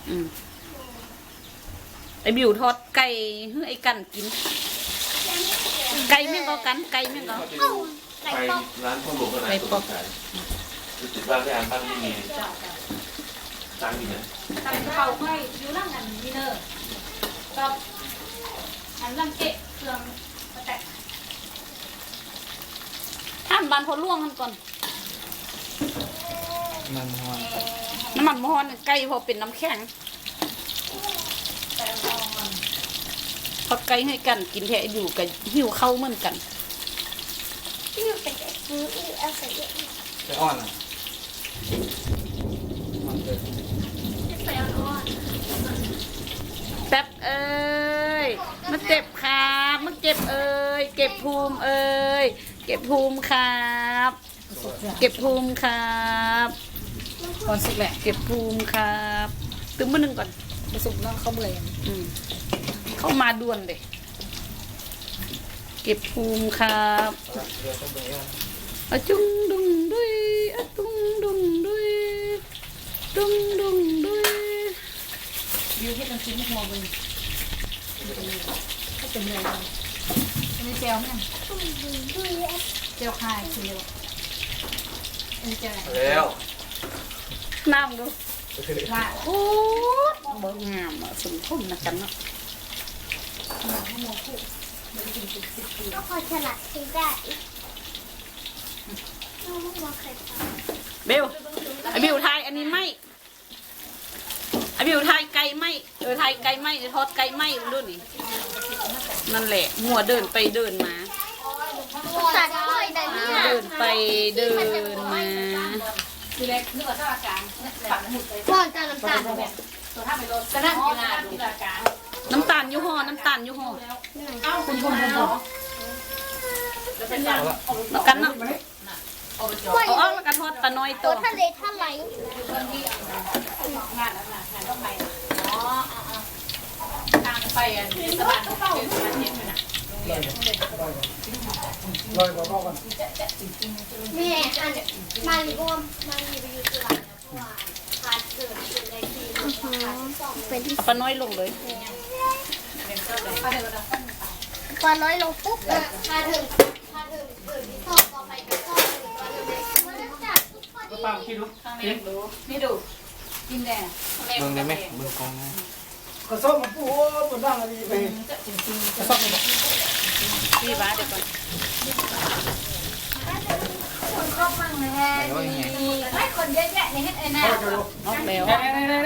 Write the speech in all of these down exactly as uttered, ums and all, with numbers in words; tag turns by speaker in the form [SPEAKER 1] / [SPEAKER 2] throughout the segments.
[SPEAKER 1] อืมไอบิวทอดไก่เฮ้ยไอกันกินไก่แม่งก็กันไก่แม่งก็
[SPEAKER 2] ไปร้านข้าวหลวงกันนะตัวขายติดบ้านที่อ่านบ้านไม่มีตังค์อยู่ไหน
[SPEAKER 3] ทำเขาไม่อยู่ร่างอันนี้เนอะก็อันร่างเกะเครื่องมาแตะ
[SPEAKER 1] ท่านบานพอล่วงท่านก่อน
[SPEAKER 4] มันนอน
[SPEAKER 1] น้ำมันมอนไก่พอเป็นน้ำแข็ง
[SPEAKER 3] แต่ลอง
[SPEAKER 1] ทอดไก่ให้กันกินแท้อยู่กับหิวเข้าเหมือนกัน
[SPEAKER 5] ที่อยู่เป็นซื้อเอาใส่เยอะ
[SPEAKER 4] ไปอ่อนอ่ะมันเกิด
[SPEAKER 5] ใส่อ่อน
[SPEAKER 1] แป๊บเอ้ยมาเจ็บครับมาเก็บเอ้ยเก็บภูมิเอ้ยเก็บภูมิครับเก็บภูมิครับ
[SPEAKER 3] ก่อนสุกแหละ
[SPEAKER 1] เก็บภูมิครับตึ้งมือหนึ่งก่อน
[SPEAKER 3] มาสุกแล้วเขาเบื่อ
[SPEAKER 1] อืมเข้ามาด่วนเลยเก็บภูมิครับ
[SPEAKER 4] เรือต้องไปอ่อน
[SPEAKER 1] อะจุงดุงดุยอะตุงดุงดุยดุงดุงดุย
[SPEAKER 3] บิวให้กันชิ้นหัวมึงก็เป็นเลยอันนี้เจลเนี่ย
[SPEAKER 5] ตุ้มดุยดุย
[SPEAKER 3] เจลคายเจลอันนี้เจลอะไร
[SPEAKER 4] แล้ว
[SPEAKER 1] น้ำดู
[SPEAKER 3] ว่า
[SPEAKER 1] โอ้เบิ่งงามอ่ะสมทมนะกันเนาะ
[SPEAKER 5] ก็พอฉลาดซื้อได้น้องมาเคยท
[SPEAKER 1] เบลไอบิวไทยอันนี้ไม่ไอบิวไทยไก่ไม่เออไทยไก่ไม่ทอดไก่ไม่ดูนี่นั่นแหละมัวเดินไปเดินมา
[SPEAKER 5] ำตัดกล้วยแต่เนี่ย
[SPEAKER 1] เดินไปเดินมา
[SPEAKER 3] คือเล็กนึกว่าถ้าอาการฝังหมุดเลย
[SPEAKER 5] ก่อนจะน้ำตาล
[SPEAKER 3] ตัวถ้าไปโดนกระนั่งกินอาดูอาการ
[SPEAKER 1] น้ำตาลยูห่อน้ำตาลยูห่อ
[SPEAKER 3] เอ้าคุณคุณคุณจะเป็นยัง
[SPEAKER 1] แล้วกันเนาะ
[SPEAKER 3] เอาไปจ
[SPEAKER 5] กล้วย
[SPEAKER 1] เอาออกแล้วกันทอดปลาน้อย
[SPEAKER 5] ตั
[SPEAKER 1] ตัว ว
[SPEAKER 5] ทะเลทลาย
[SPEAKER 3] คนที่งานแล้วนะงานต้องไปอ๋อทางไปอ่ะที่สะพานที่สะพานเห็นไหมนะ
[SPEAKER 4] ลอยเบาๆกัน
[SPEAKER 5] แม่อันมาลีบอมมาลีไปอยู่ตลาดนะเพราะว่าพาเกิดเป็นในทีเป็นที่
[SPEAKER 1] เอาปลาน้อยลงเลย
[SPEAKER 5] พอน้อยลงปุ๊บพาถึงพาถึงเปิดที่สองต่อไปก็ต่อถึงพอถึงมันจัดทุกคน
[SPEAKER 4] ป้าคิดดู
[SPEAKER 3] ข้างในดูนี่ดูกินแดง
[SPEAKER 4] เบิ่งได้ไหมเบิ่งกอง
[SPEAKER 6] กระสอบมาปูบนบ้างอะไรไป
[SPEAKER 3] จริงๆ
[SPEAKER 6] กระสอบมา
[SPEAKER 1] พี่บ้าเดี๋ยวก่อน
[SPEAKER 3] คนก็มั่งนะฮะไม่คนเยอะแยะในเฮ็ดไอ้หน้า
[SPEAKER 1] ออกแล้ว
[SPEAKER 6] เน่เน่เน่เน่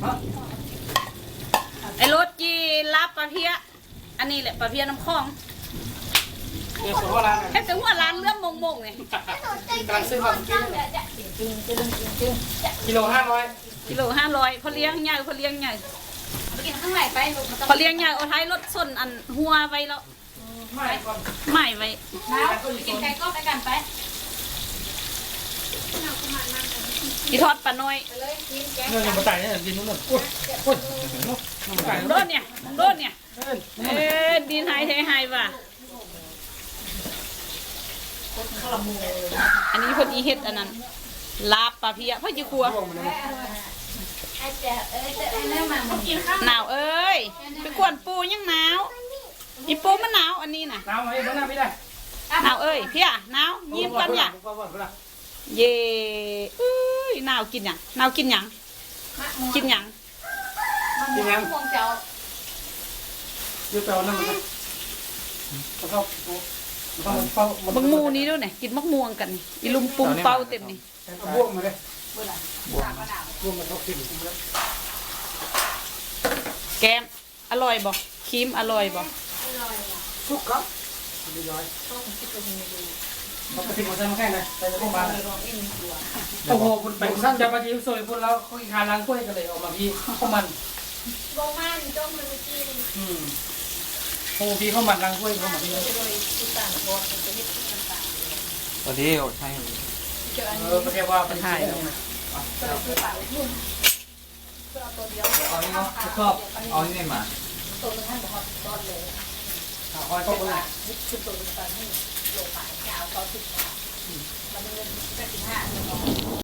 [SPEAKER 1] ไอ้รถจีรับปลาเพี้ยอันนี้แหละปลาเพี้ยน้ำคลอง
[SPEAKER 6] เดี๋ยวสุดว่าร้าน
[SPEAKER 1] แค่ถึงว่าร้านเรื่องมงมงๆเนี่ย
[SPEAKER 6] กำลังซื้อของกิน
[SPEAKER 3] จริงจริงจริงจริง
[SPEAKER 6] กิโลห้าร้อย
[SPEAKER 1] กิโลห้าร้อยพอเลี้ยงใหญ่พอเลี้ยงใหญ่
[SPEAKER 3] ไปกินข้างในไปลูกมันต้อง
[SPEAKER 1] พอเลี้ยงใหญ่เอาท้ายรถส้นอันหัวไว้แล้ว
[SPEAKER 6] ไม่ก่อน
[SPEAKER 1] ไม่ไว้
[SPEAKER 3] แล้วไปกินไก่ก็ไปกันไป
[SPEAKER 1] อีทอดปลาน้อย
[SPEAKER 3] เลยกินแกง
[SPEAKER 6] เงินยังมาจ่ายเนี่ยกินนู่นนู่นกุ้ยกุ้ยมาจ่าย
[SPEAKER 1] โด
[SPEAKER 6] นู่
[SPEAKER 1] น
[SPEAKER 6] น
[SPEAKER 1] เนี่ยโดนเนี่ย
[SPEAKER 6] เงิน
[SPEAKER 1] เอ๊ะดีนหายเทหายว่ะอันนี้พอดีเฮ็ดอันนั้นลาบปลาเพี้ยพ่อจีครัว
[SPEAKER 3] ไอ้เจ๊เอ้ยไอ้แม่มากินข้าว
[SPEAKER 1] หนาวเอ้ยไปกวนปูยังหนาวอีปูมันหนาวอันนี้น่ะ
[SPEAKER 6] น้ำไว้บ้านหน้าพี่ได้
[SPEAKER 1] หนาวเอ้ยเพี้ยหนาวยิ้มกันอย่าเย่เอ้ยหนาวกินหยังหนาวกินหยังกินหยัง
[SPEAKER 6] กินยัง
[SPEAKER 3] พวงเจ้า
[SPEAKER 6] ยืดเปล่านั่งมันกระสอบมันเฝ้ามัน
[SPEAKER 1] บังมูนี้ด้วยเนี่ยกินมักม่วงกันนี่อีลุมปุ่มเป่าเต็มนี่
[SPEAKER 6] บวกมาเลย
[SPEAKER 3] เบื่อละ
[SPEAKER 6] บวกมาเขากิน
[SPEAKER 1] แกมอร่อยบ่ครีมอร่อยบ่
[SPEAKER 6] ทุกครับดีร้อยปกติมันจะมาแค่ไหนใส่พวกมันโอ้โหคุณไปสั้นจะมาที่ซอยพวกเราเขาอีกคาล้างกล้วยกันเลยออกมาพี่ข้าวมัน
[SPEAKER 5] โบมันจ้องมันกิน
[SPEAKER 6] อืมโอ้พี่ข้าวมันล้างกล้วยข้าวมันพี่
[SPEAKER 4] ตอนนี้โอ้ใช่
[SPEAKER 6] เออเรียกว่าเป็นไข่เอานี่เนาะชอบ
[SPEAKER 4] เอานี่มา
[SPEAKER 3] ตัวนึงท่านบอกว่าตอนเลย
[SPEAKER 6] คอยก็คนละ
[SPEAKER 3] ชุดตัวนึงตอนให้โลกไปยาวต่อสิบมันเงินสิบห้า